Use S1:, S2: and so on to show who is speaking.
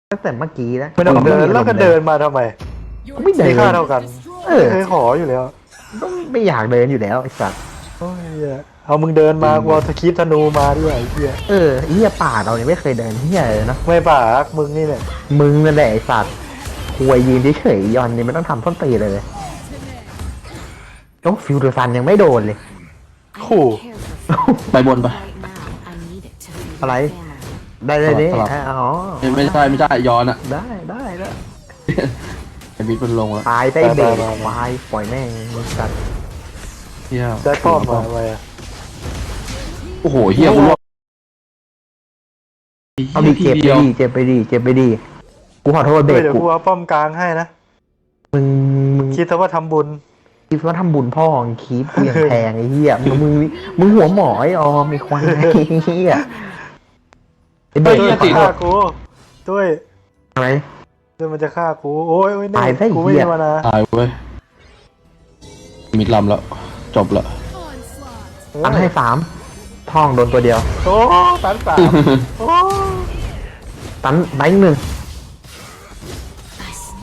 S1: ตั้งแต่เมื่อกี้แล้ว
S2: ไม่ต้องเดินแล้วก็เดินมาทำไม
S1: ไม่เดิ
S2: มี
S1: น
S2: ค่าเท่ากัน
S1: เออ
S2: ไม่เคยขออยู่แล้ว
S1: ก็ไม่อยากเดินอยู่แล้วไอ้สัตว์
S2: โอ้ยเหี้ยเอามึงเดินมากูเอาตะคีบธนูมาด้วยไอ้เหี้ย
S1: เฮียป่าเราเนี่ยไม่เคยเดินเฮียเลยเนาะ
S2: ไม่ป่ารักมึงนี่เนี่ย
S1: มึงนั่นแหละไอ้สัตว์ควยยืนเฉยๆยอนนี่ไม่ต้องทำต้นตีเลยโอ้ฟิวเดอร์ซันยังไม่โดนเลย
S2: ขู่
S3: ไปบนปะ
S1: อะไร ได้เลยดิ
S3: สลับ
S1: อ๋อ
S3: ไม่ใช่ย้อนอะ
S1: ได้ได้
S3: ไอ้บิ๊กมันลงแล้ว
S1: ตายได้เบรกควายปล่อยแม่งสัตว์
S3: เฮีย
S2: ได้ป้อมมาทำไมอะ
S3: โอ้โหเฮียกูรอด
S1: เอาดิเจ็บไปดิเจ็บไปดิเจ็บไปดิกูขอโทษเบร
S2: เฮ้ย
S1: ก
S2: เดี๋ยว
S1: กู
S2: กูเอาป้อมกลางให้นะ
S1: มึง
S2: คิดซะว่าทำบุญ
S1: คิดว่าทำบุญพ่อของคีปกูอย่างแพงไอ้เหี้ยมึงหัวหมอไอ้ออมไอ้ควายไอ้เหี้ยไอ้เบร
S2: ด้วย
S1: ก
S2: มันจะฆ่ากูด้วย
S1: อะไร
S2: ด้วยมันจะฆ่ากูโอ้ยโอ้ยเนี่
S1: ตาย
S2: ย
S1: ซะไอ้
S2: กูไม่
S1: เหี้ย
S2: มีมานะ
S3: ตายเว้ยมิดลำแล้วจบละ
S1: ตันให้3ท่องโดนตัวเดียว
S2: โอ้ตันสามโอ้
S1: ตัน1